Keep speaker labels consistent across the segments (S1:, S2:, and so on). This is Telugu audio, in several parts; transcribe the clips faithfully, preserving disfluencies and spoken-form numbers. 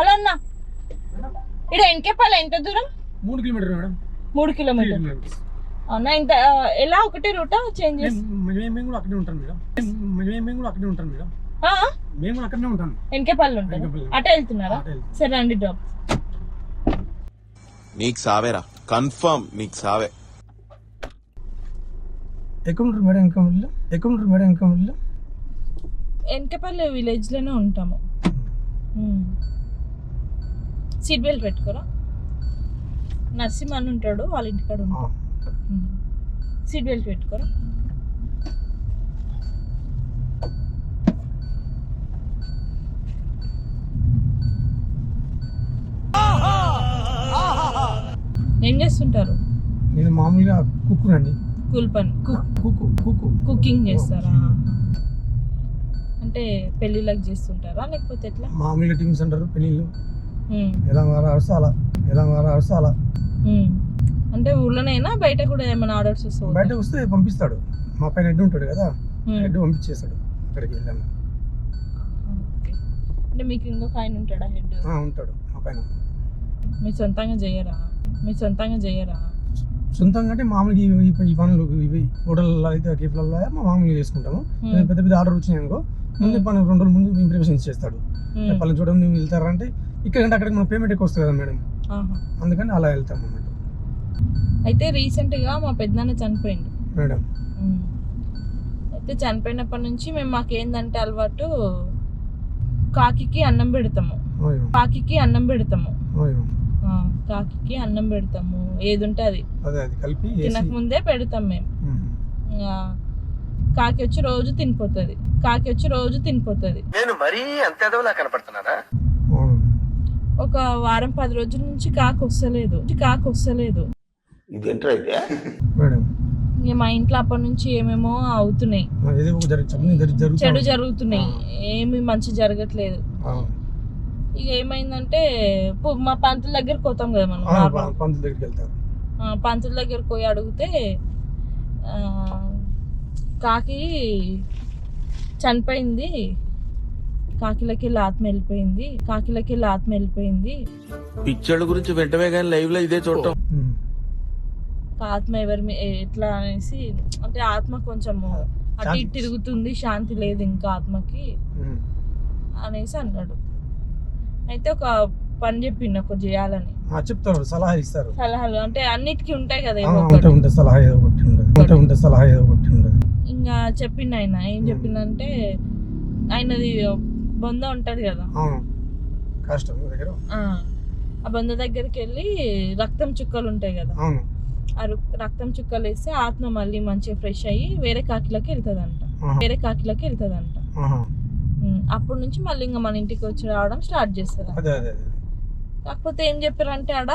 S1: హలో అన్న, ఇక్కడ ఎన్కేపల్లి ఎంత దూరం?
S2: మూడు కిలోమీటర్ మేడం.
S1: మూడు కిలోమీటర్ అవునా? ఇంత ఎలా ఒకటే రూటా చేంజ్ చేసి?
S2: మేము కూడా అక్కడే ఉంటాం మేడం. మేము కూడా అక్కడే ఉంటాం మేడం. మేము కూడా అక్కడనే ఉంటాం.
S1: ఎన్కేపల్లి ఉంటాం. అటే వెళ్తున్నారా? సరే అండి, డ్రాప్.
S3: నీకు సావేరా, కన్ఫర్మ్ నీకు సావే.
S2: ఎక్కడ ఉంటారు మేడం? ఎన్కేపల్లిలో ఎక్కడ ఉంటారు మేడం? ఎన్కేపల్లిలో
S1: ఎన్కేపల్లి విలేజ్ లోనే ఉంటాము. సీట్ బెల్ట్ పెట్టుకోరా. నర్సింహ అని ఉంటాడు, వాళ్ళ ఇంటికాడ ఉంటాడు. సీట్ బెల్ట్ పెట్టుకోరా. ఏం చేస్తుంటారు?
S2: నేను మామూలుగా కుక్కునండి.
S1: కూల్ పని, కుకింగ్ చేస్తారా? అంటే పెళ్ళిళ్ళకి చేస్తుంటారా లేకపోతే ఎట్లా?
S2: మామూలుగా టీమ్స్ అంటారు పెళ్ళిళ్ళు. ఎలా మారాల్సి అలా ఎలా మారాల్సి అలా.
S1: అంటే ఊర్లోనైనా బయట కూడా ఏమైనా ఆర్డర్స్ వస్తాయి?
S2: బయట వస్తే పంపిస్తాడు. మా పైన హెడ్ ఉంటాడు కదా, హెడ్ పంపించేస్తాడు అక్కడికి వెళ్ళాము.
S1: అంటే మీకు ఇంకొక ఆయన ఉంటాడా హెడ్?
S2: ఉంటాడు మా పైన.
S1: మీరు సొంతంగా చేయరా? మీరు సొంతంగా చేయరా?
S2: సొంతంగా అంటే మామూలుగా ఈ పనులు ఇవి హోటల్లో అయితే కేఫ్లలో మా మామూలుగా చేసుకుంటాము. పెద్ద పెద్ద ఆర్డర్ వచ్చినాయి అనుకో, ముందు పని రెండు రోజుల ముందు ఇంప్రెషన్స్ చేస్తాడు. పనులు చూడడం నువ్వు వెళ్తారంటే ఇక్కడ అంటే అక్కడికి మన పేమెంట్ ఎక్కువ వస్తుంది కదా మేడం, అందుకని అలా వెళ్తాం అన్నమాట.
S1: అయితే రీసెంట్ గా మా పెద్దనాన్న చనిపోయిండు
S2: మేడం.
S1: అయితే చనిపోయినప్పటి నుంచి మేము మాకేందంటే అలవాటు, కాకికి అన్నం పెడతాము. కాకికి అన్నం పెడతాము కాకికి అన్నం పెడతాము ఏది ఉంటే అది
S2: కలిపి
S1: తినక ముందే పెడతాం మేము. కాకి వచ్చి రోజు తినిపోతుంది. కాకి వచ్చి రోజు తినిపోతుంది.
S4: నేను మరీ అంత ఎదవలా కనపడుతున్నారా?
S1: ఒక వారం పది రోజుల నుంచి కాకి వస్తలేదు కాకి వస్తలేదు ఇక మా ఇంట్లో అప్పటి నుంచి ఏమేమో అవుతున్నాయి, చెడు జరుగుతున్నాయి, ఏమి మంచి జరగట్లేదు. ఇక ఏమైందంటే మా పంతుల దగ్గరికి పోతాం కదా మనం, పంతుల దగ్గరికి పోయి అడిగితే కాకి చనిపోయింది, కాకిలకి ఆత్మ వెళ్ళిపోయింది, కాకిలకి ఆత్మ వెళ్ళిపోయింది.
S3: పిక్చర్ల గురించి వెంటనే కానీ లైవ్ లో ఇదే చూడటం.
S1: ఆత్మ ఎవరి ఎట్లా అనేసి, అంటే ఆత్మ కొంచెము అటు ఇటు తిరుగుతుంది, శాంతి లేదు ఇంకా ఆత్మకి అనేసి అన్నాడు. అయితే ఒక పని చెప్పిండు ఒక చేయాలని
S2: చెప్తారు, సలహా ఇస్తారు.
S1: సలహాలు అంటే అన్నిటికీ ఉంటాయి కదా, ఇంకా చెప్పిండు ఆయన. ఏం చెప్పిందంటే, ఆయనది బొంద ఉంటది కదా, ఆ బొంద దగ్గరికి వెళ్ళి రక్తం చుక్కలు ఉంటాయి కదా, ఆ రక్తం చుక్కలు వేస్తే ఆత్మ మళ్ళీ మంచిగా ఫ్రెష్ అయ్యి వేరే కాకిలకి వెళ్తుందంట వేరే కాకిలకి వెళ్తుందంట అప్పటి నుంచి మళ్ళీ ఇంకా మన ఇంటికి వచ్చి రావడం స్టార్ట్ చేస్తారు. కాకపోతే ఏం చెప్పారంటే ఆడ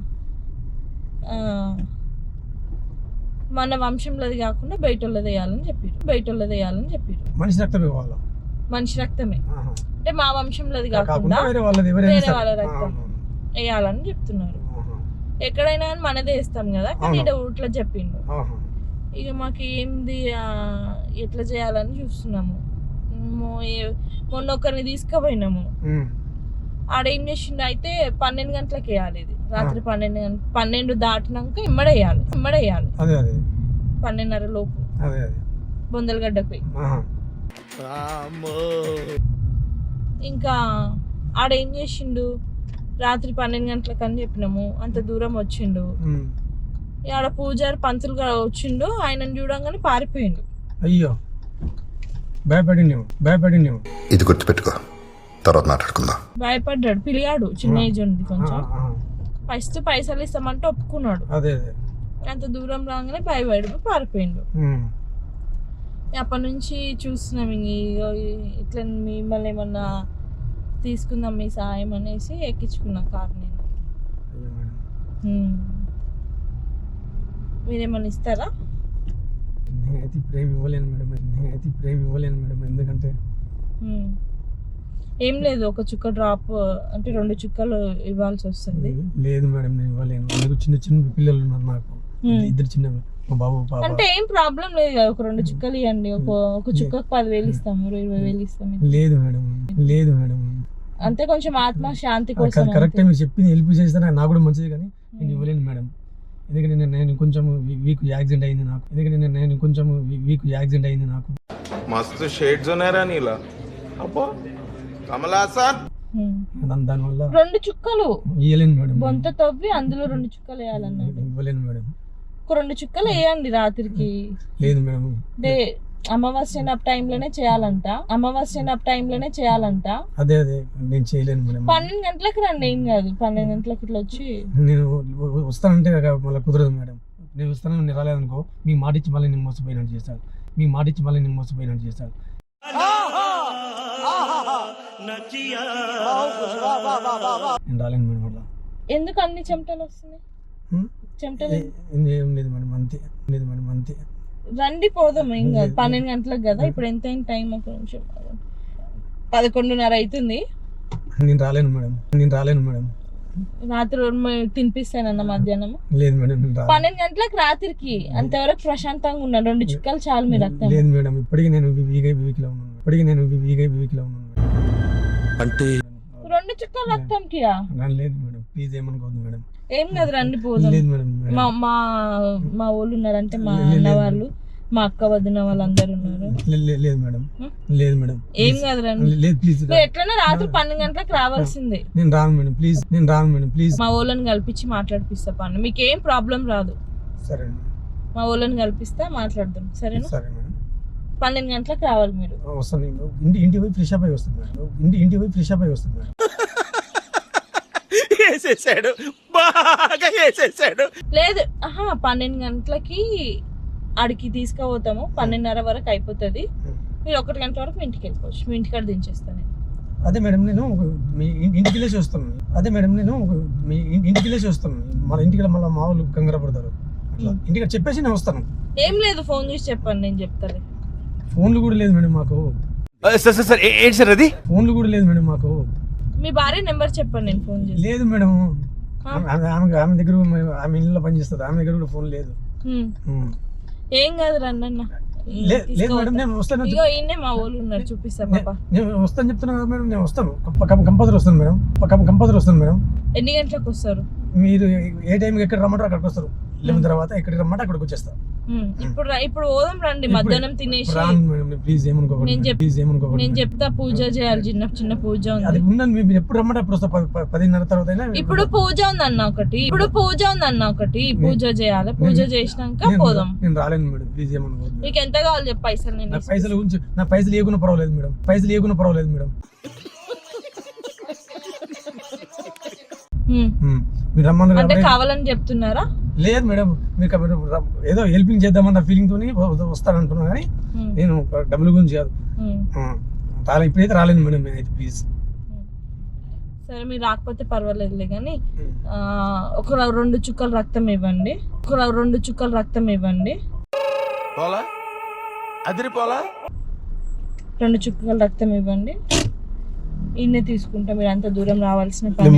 S1: మన వంశంలోది కాకుండా బయట వాళ్ళది వేయాలని చెప్పారు. బయట వాళ్ళది వేయాలని చెప్పారు.
S2: మనిషి రక్తమే
S1: మనిషి రక్తమే అంటే మా వంశంలోది కాకుండా వేరే వాళ్ళ రక్తం వేయాలని చెప్తున్నారు. ఎక్కడైనా మనదే వేస్తాం కదా, కానీ ఇక్కడ ఊట్లో చెప్పిండు. ఇక మాకు ఏంది ఎట్లా చేయాలని చూస్తున్నాము. మొన్న ఒకరిని తీసుకుపోయినాము, ఆడేం చేసిండు అయితే పన్నెండు గంటలకు వేయాలి ఇది, రాత్రి పన్నెండు గంట పన్నెండు దాటినాక ఇమ్మడేయాలి ఇమ్మడేయాలి పన్నెండున్నర లోపు బొందలగడ్డకు పోయి. ఇంకా ఆడేం చేసిండు, రాత్రి పన్నెండు గంటలకు అని చెప్పినాము, అంత దూరం వచ్చిండు. ఆడ పూజారి పంతులు వచ్చిండు, ఆయనను చూడంగానే పారిపోయిండు.
S2: అయ్యో, భయపడినేమో భయపడినేమో
S5: ఇది గుర్తుపెట్టుకో, తర్వాత మాట్లాడుకుందాం.
S1: భయపడ్డాడు, పిలిగాడు, చిన్న ఏజ్ ఉంది కొంచెం. ఫస్ట్ పైసలు ఇస్తామంటే ఒప్పుకున్నాడు.
S2: అదే
S1: అంత దూరం రాగానే భయపడి పారిపోయిండు. అప్పటి నుంచి చూస్తున్నాం ఇట్లా మిమ్మల్ని ఏమన్నా తీసుకుందాం మీ సాయం అనేసి ఎక్కించుకున్నా కార్. నేను మీరేమన్నా ఇస్తారా?
S2: నేనైతే ఇప్పుడు ఏమి ఇవ్వలేను మేడం, నేనైతే ఇప్పుడు ఏమి ఇవ్వలేను మేడం. ఎందుకంటే
S1: ఏం లేదు, ఒక చుక్క డ్రాప్ అంటే రెండు చుక్కలు ఇవ్వాల్సి వస్తుంది.
S2: లేదు మేడం, నేను ఇవ్వలేను. అందుకు చిన్న చిన్న పిల్లలు ఉన్నారు నాకు, ఇద్దరు చిన్న బాబు పాప.
S1: అంటే ఏం ప్రాబ్లం లేదు కదా, ఒక రెండు చుక్కలు ఇవ్వండి. ఒక ఒక చుక్కకు పదివేలు ఇస్తాము, ఇరవై వేలు ఇస్తాము.
S2: లేదు మేడం, లేదు మేడం.
S1: అంతే కొంచెం ఆత్మ శాంతి కోసం
S2: కరెక్ట్ మీరు చెప్పింది హెల్ప్ చేస్తే నాకు కూడా మంచిది, కానీ నేను ఇవ్వలేను మేడం. ఎందుకంటే నేను నేను కొంచెం వీక్ యాక్సిడెంట్ అయింది నాకు. ఎందుకంటే నేను నేను కొంచెం వీక్ యాక్సిడెంట్ అయింది నాకు.
S3: మస్తు షేడ్స్ ఉన్నారా నీలా అబ్బో కమలాసన్.
S2: దానివల్ల
S1: రెండు చుక్కలు
S2: ఇవ్వలేను మేడం.
S1: బొంత తవ్వి అందులో రెండు చుక్కలు వేయాలన్నాడు.
S2: ఇవ్వలేను మేడం.
S1: ఒక రెండు చుక్కలు వేయండి రాత్రికి.
S2: లేదు మేడం.
S1: డే అమావాస్య టైంలోనే చేయాలంట. అమావాస్య టైంలోనే చేయాలంట.
S2: అదే అదే నేను చేయలేను మేడం.
S1: పన్నెండు గంటలకు రండి, ఏం కాదు. పన్నెండు గంటలకు ఇట్లా వచ్చి
S2: నేను వస్తానంటే మళ్ళీ కుదరదు మేడం. నేను వస్తాను, నేను రాలేదనుకో మీ మాట ఇచ్చి మళ్ళీ నేను మోసపోయినట్టు చేస్తాను. మీ మాట ఇచ్చి మళ్ళీ నేను మోసపోయినట్టు చేస్తాను. నేను రాలేను మేడం. అట్లా
S1: ఎందుకు అన్ని చెమటలు వస్తున్నాయి? చెమటలు
S2: ఏం లేదు మేడం, అంతే. లేదు మేడం, అంతే.
S1: రండి పోదాం, ఏం కాదు. పన్నెండు గంటలకు కదా ఇప్పుడు. ఎంత అయింది టైం? ఒక నిమిషం, పదకొండున్నర అవుతుంది.
S2: నేను రాలేను మేడం. నేను రాలేను మేడం.
S1: రాత్రి తినిపిస్తానన్న మధ్యాహ్నం.
S2: లేదు మేడం.
S1: పన్నెండు గంటలకు రాత్రికి అంతవరకు ప్రశాంతంగా ఉన్నాను. రెండు చుక్కలు చాలు మీరు రక్తం.
S2: లేదు మేడం, ఇప్పటికీ నేను వీక్ వీక్ లో ఉన్నాను. ఇప్పటికీ నేను వీక్ వీక్ లో ఉన్నాను.
S3: అంటే
S1: రెండు చుక్కలు రక్తంకి
S2: లేదు మేడం, ప్లీజ్ ఏమనుకోవద్దు మేడం.
S1: ఏం కాదు, రండి పోదాం.
S2: లేదు మేడం.
S1: మా మా మా వాళ్ళు ఉన్నారంటే మా అన్న వాళ్ళు, మా అక్క వదిన వాళ్ళందరూ ఉన్నారు.
S2: లేదు మేడం. లేదు మేడం,
S1: ఏం కాదు, రండి.
S2: లేదు ప్లీజ్.
S1: ఎట్లన్నా రాత్రి పన్నెండు గంటలకు రావాల్సిందే.
S2: నేను రాను మేడం, ప్లీజ్. నేను రాను మేడం, ప్లీజ్.
S1: మా వాళ్ళని కల్పించి మాట్లాడిపిస్తా పన్ను. మీకు ఏం ప్రాబ్లం రాదు.
S2: సరే.
S1: మా వాళ్ళని కల్పిస్తా, మాట్లాడదాం. సరేనా?
S2: సరే మేడం.
S1: పన్నెండు గంటలకు రావాలి మీరు.
S2: వస్తాను. ఇంటి ఇంటి పోయి ఫ్రెష్ అప్ అయి వస్తుంది మేడం. ఇంటి ఇంటి పోయి ఫ్రెష్ అప్ అయి వస్తుంది మేడం.
S3: వేసేసాడు, బాగా వేసేసాడు.
S1: లేదు, ఆహా, పన్నెండు గంటలకి ఆడికి తీసుకుపోతాము. పన్నెండున్నర వరకు అయిపోతుంది. మీరు ఒకటి గంటల వరకు మీ ఇంటికి వెళ్ళిపోవచ్చు. మీ ఇంటికాడ దించేస్తాను నేను.
S2: అదే మేడం, నేను మీ ఇంటికి వెళ్ళేసి వస్తాను. అదే మేడం, నేను మీ ఇంటికి వెళ్ళేసి వస్తాను. మన ఇంటికి మళ్ళీ మా వాళ్ళు కంగారు పడతారు. అట్లా ఇంటికి చెప్పేసి నేను వస్తాను.
S1: ఏం లేదు, ఫోన్ చేసి చెప్పండి, నేను చెప్తాను.
S2: ఫోన్లు కూడా లేదు మేడం మాకు.
S3: సార్ సార్ సార్ ఏంటి సార్ అది?
S2: ఫోన్లు కూడా లేదు మేడం మాకు.
S1: మీ భార్య నెంబర్ చెప్పండి, నేను ఫోన్ చేసి.
S2: లేదు మేడం, ఆమె ఆమె దగ్గర ఆమె ఇల్లు పనిచేస్తుంది. ఆమె దగ్గర కూడా ఫోన్ లేదు.
S1: ఏం కాదు, రండి అన్న.
S2: లేదు మేడం, నేను వస్తాను.
S1: ఇగో ఈయనే మా వాళ్ళు ఉన్నారు, చూపిస్తా పాప.
S2: నేను వస్తాను చెప్తున్నా కదా మేడం, నేను వస్తాను. కంపల్సరీ వస్తాను మేడం. కంపల్సరీ వస్తాను మేడం.
S1: ఎన్ని గంటలకు వస్తారు?
S2: మీరు ఏ టైంకి ఎక్కడ రమ్మంటారు అక్కడికి వస్తారు. లెవెన్ తర్వాత ఎక్కడికి రమ్మంటే అక్కడికి వచ్చేస్తా.
S1: ఇప్పుడు ఇప్పుడు పోదాం రండి. మధ్యాహ్నం తినేసి
S2: ప్లీజ్ ఏమనుకోకండి.
S1: నేను చెప్తా, పూజ చేయాలి. చిన్న చిన్న పూజ
S2: అది
S1: ఉంది.
S2: ఉందండి. మీరు ఎప్పుడు రమ్మంటే అప్పుడు వస్తా. పదిన్నర తర్వాత.
S1: ఇప్పుడు పూజ ఉంది అన్న ఒకటి. ఇప్పుడు పూజ ఉంది అన్న ఒకటి. పూజ చేయాలి. పూజ చేసినాక పోదాం.
S2: నేను రాలేను మేడం, ప్లీజ్ ఏమనుకోవద్దు.
S1: నీకు ఎంత కావాలి చెప్పు పైసలు. నేను
S2: పైసలు గురించి నా పైసలు ఏకున్నా పర్వాలేదు మేడం. పైసలు ఏకున్నా పర్వాలేదు మేడం. మీరు రమ్మన్నారు
S1: అంటే కావాలని చెప్తున్నారా?
S2: లేదు మేడం, మీకు ఏదో హెల్పింగ్ చేద్దామన్న ఫీలింగ్ తోని వస్తానంటున్నా, కానీ నేను డబ్బుల గురించి కాదు. ఇప్పుడైతే రాలేదు మేడం, నేనైతే ప్లీజ్.
S1: సరే, మీరు రాకపోతే పర్వాలేదులే, కానీ ఒక రెండు చుక్కలు రక్తం ఇవ్వండి. ఒక రెండు చుక్కలు రక్తం ఇవ్వండి.
S3: పోలా అదిరి పోలా
S1: రెండు చుక్కలు రక్తం ఇవ్వండి. ఇన్నే తీసుకుంటా. మీరు అంత దూరం రావాల్సిన పని.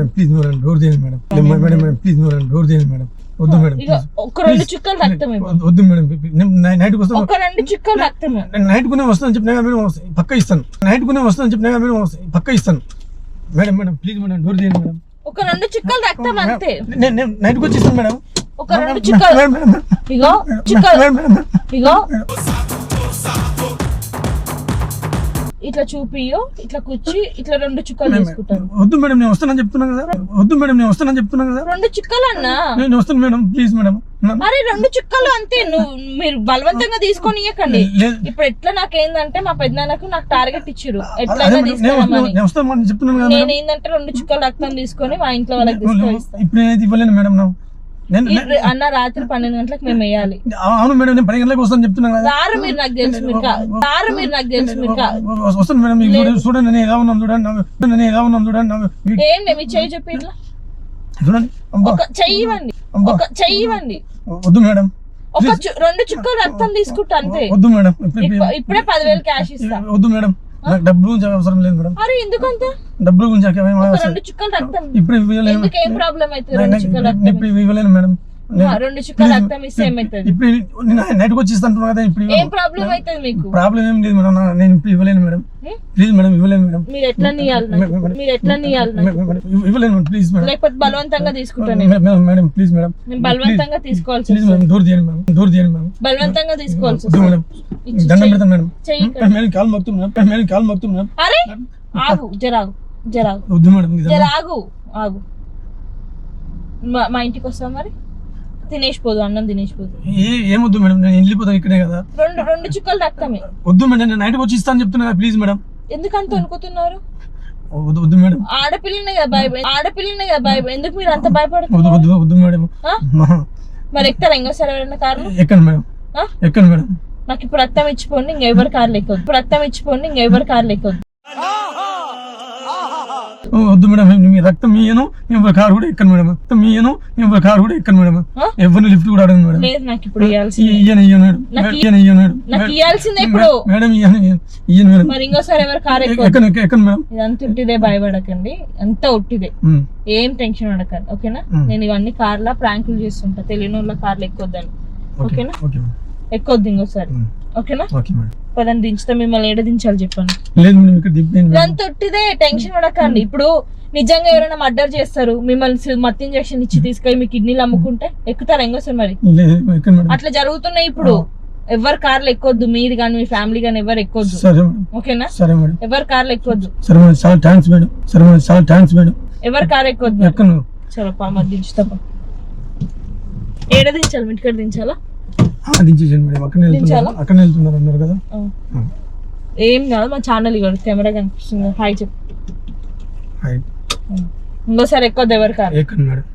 S1: ఒక రెండు చుక్కలు రక్తం
S2: వద్దు మేడం, నైట్ వస్తాను.
S1: ఒక రెండు చుక్కలు రక్తం
S2: నైట్ కునే వస్తాను చెప్పినా మేడం, పక్క ఇస్తాను. నైట్ కునే వస్తాను చెప్పినా మేడం, పక్క ఇస్తాను. Madam madam please madam, door చేయండి మేడం.
S1: ఒక రెండు చుక్కలు రక్తం అంతే.
S2: నేను నైట్ వచ్చి ఇస్తాను మేడం.
S1: ఒక రెండు చుక్కలు. ఇగో చుక్కలు, ఇగో ఇట్లా చూపియో, ఇట్లా కూర్చి ఇట్లా రెండు చుక్కలు తీసుకుంటాను.
S2: వద్దు మేడం, నేను వస్తానని చెప్తున్నా కదా. వద్దు మేడం, నేను వస్తానని చెప్తున్నా కదా.
S1: రెండు చుక్కలు అన్నా.
S2: నేను వస్తాను మేడం, ప్లీజ్ మేడం.
S1: మరి రెండు చుక్కలు అంతే. నువ్వు మీరు బలవంతంగా తీసుకొని ఇవ్వకండి. ఇప్పుడు ఎట్లా నాకేందంటే మా పెద్దనాన్నకు నాకు టార్గెట్ ఇచ్చారు, ఎట్లయినా తీసుకున్నామని. నేను ఏంటంటే రెండు చుక్కలు రక్తం తీసుకొని మా ఇంట్లో వాళ్ళకి తీసుకొస్తాను.
S2: ఇప్పుడు నేనైతే ఇవ్వలేను మేడం.
S1: అన్న రాత్రి పన్నెండు గంటలకు మేము వేయాలి.
S2: అవును మేడం, నేను పది గంటలకు వస్తాను చెప్తున్నా కదా.
S1: రారు మీరు, నాకు తెలుసు మీరు రారు మీరు నాకు తెలుసు మీరు
S2: వస్తాను మేడం. చూడండి నేను ఎలా ఉన్నాను చూడండి. నేను ఎలా ఉన్నాను చూడండి.
S1: ఏంటి మీ చెయ్యి చెప్పి ఇట్లా
S2: చూడండి.
S1: ఒక చెయ్యి ఇవ్వండి, ఒక చెయ్యి ఇవ్వండి.
S2: వద్దు మేడం,
S1: ఒక రెండు చుక్కలు రక్తం తీసుకుంటా అంతే.
S2: వద్దు మేడం,
S1: ఇప్పుడే పదివేలు క్యాష్ ఇస్తా.
S2: వద్దు మేడం, నాకు డబ్బుల గురించి అవసరం లేదు మేడం.
S1: అరే ఎందుకంత
S2: డబ్బుల గురించి
S1: రెండు చుక్కలు రక్తం
S2: ఇప్పుడు
S1: ఎందుకు? ఏం ప్రాబ్లం అయితే
S2: ఇప్పుడు ఇవ్వలేను మేడం. నేను-
S1: రెండు చుక్కలు రక్తం ఇస్తే ఏమవుతుంది?
S2: ఇప్పుడు నేను నైట్కి వచ్చి ఇస్తాను కదా ఇప్పుడు
S1: ఏం ప్రాబ్లం అవుతుంది మీకు?
S2: ప్రాబ్లం ఏం లేదు మేడం నా- నేను ఇప్పుడు ఇవ్వలేను మేడం
S1: హ్మ్?
S2: ప్లీజ్ మేడం ఇవ్వలేను మేడం
S1: మీరు ఎట్లా నీయాలి నాకు? మీరు ఎట్లా నీయాలి నాకు?
S2: మేడం, మేడం, ఇవ్వలేను మేడం ప్లీజ్ మేడం
S1: లేకపోతే బలవంతంగా తీసుకుంటాను నేను.
S2: Madam, madam madam please madam
S1: నేను బలవంతంగా తీసుకోవాల్సి
S2: ప్లీజ్
S1: వస్తుంది.
S2: మేడం దూరం చేయండి మేడం దూరం చేయండి మేడం
S1: బలవంతంగా తీసుకోవాల్సి
S2: వద్దు
S1: వస్తుంది.
S2: మేడం
S1: ఇచ్చి
S2: దండం
S1: చెయ్యి.
S2: పెడతాను మేడం
S1: చెయ్యి ఇక్కడ.
S2: మేడం కాలు మొక్తాం మేడం మేడం కాలు మొక్తాం మేడం
S1: అరే ఆగు, జరాగు జరాగు
S2: వద్దు మేడం నిజంగా.
S1: జరాగు ఆగు. మా- మా ఇంటికి వస్తావు మరి? తినేసిపోదు, అన్నం తినేసిపోదు.
S2: ఏ ఏమొద్దు మేడం నేను వెళ్ళిపోతాను ఇక్కడే కదా
S1: రెండు రెండు చుక్కలు రక్తమే.
S2: వద్దు మేడం నేను నైట్కి వచ్చి ఇస్తాను చెప్తున్నా కదా ప్లీజ్ మేడం
S1: ఎందుకంత అనుకుంటున్నారు?
S2: వద్దు వద్దు మేడం
S1: ఆడపిల్లనే కదా భయ ఆడపిల్లనే కదా భయ ఎందుకు మీరు అంత
S2: వద్దు
S1: భయపడుతున్నారు?
S2: వద్దు వద్దు మేడం
S1: ఆ? మరి ఎక్కుతారా ఇంకోసారి ఎవరైనా కార్లు?
S2: ఎక్కండి మేడం
S1: ఆ?
S2: ఎక్కండి మేడం
S1: నాకు ఇప్పుడు రక్తం ఇచ్చిపోండి, ఇంకెవరి కార్లు ఎక్కొద్దు. ఇప్పుడు రక్తం ఇచ్చిపోండి, ఇంకెవరి కార్లు ఎక్కొద్దు.
S2: ఓ, వద్దు మేడం నేను మీ రక్తం మీయను మేము కారు కూడా ఎక్కను మేడం రక్తం మీయను మేము కారు కూడా ఎక్కను మేడం
S1: ఆ?
S2: ఎవరిని లిఫ్ట్ కూడా అడగను మేడం
S1: లేదు నాకు ఇప్పుడు ఇవ్వాల్సిందే.
S2: ఇయ్యను ఇయ్యను మేడం
S1: నాకు
S2: ఇయ్యను ఇయ్యను మేడం
S1: నాకు ఇవ్వాల్సిందే ఇప్పుడు.
S2: మేడం ఇయ్యను ఇయ్యను మేడం
S1: మరి ఇంకోసారి ఎవరి కారు ఎక్కొద్దు.
S2: ఎక్కను ఎక్క- ఎక్కను మేడం
S1: ఇదంతా ఉట్టిదే, భయపడకండి. అంతా ఉట్టిదే,
S2: ఉమ్,
S1: ఏం టెన్షన్ పడకండి. ఓకేనా?
S2: మ్.
S1: నేను ఇవన్నీ కార్ల ప్రాంకులు చేస్తుంటా, తెలియని వాళ్ళ కార్లు ఎక్కొద్దని.
S2: ఓకే
S1: ఓకేనా?
S2: ఓకే మేడం
S1: ఎక్కొద్దు ఇంకోసారి.
S2: ఉమ్,
S1: ఓకేనా?
S2: ఓకే మేడం
S1: పదని దించుతా, మిమ్మల్ని ఏడ దించాలి చెప్పండి.
S2: లేదు మేడం ఇక్కడ దింపేయండి మేడం
S1: ఇదంతా ఉట్టిదే, టెన్షన్ పడకండి. ఇప్పుడు నిజంగా ఎవరైనా మర్డర్ చేస్తారు, మిమ్మల్ని మత్తు ఇంజక్షన్ ఇచ్చి తీసుకొని మీ కిడ్నీలు అమ్ముకుంటే ఎక్కుతారా ఇంకోసారి? మరి
S2: లేదు ఎక్కను మేడం
S1: అట్లా జరుగుతున్నాయి ఇప్పుడు. ఎవరి కార్లు ఎక్కొద్దు, మీరు కానీ మీ ఫ్యామిలీ కానీ ఎవరు ఎక్కొద్దు.
S2: సరే మేడం
S1: ఓకేనా?
S2: సరే మేడం
S1: ఎవరి కార్లు ఎక్కొద్దు,
S2: సరే మేడం చాలా థ్యాంక్స్ మేడం సరే మేడం చాలా థ్యాంక్స్ మేడం
S1: ఎవరి కార్ ఎక్కొద్దు.
S2: ఎక్కను
S1: చలో పా, మరి దించుతా పా. ఏడ దించాలి? మీ ఇంటికాడ దించాలా?
S2: ఆ, దించేసాను మేడం అక్కడనే వెళ్తున్నారు
S1: దించాలా?
S2: అక్కడనే వెళ్తున్నారు అన్నారు కదా
S1: ఆ.
S2: ఆ,
S1: ఏం కాదు, మా ఛానల్ ఇవ్వడు, కెమెరా కనిపిస్తుంది. హాయ్ చెప్పు.
S2: హాయ్
S1: ఇంకోసారి ఎక్కొద్దు ఎవరి కార్.
S2: ఎక్కను మేడం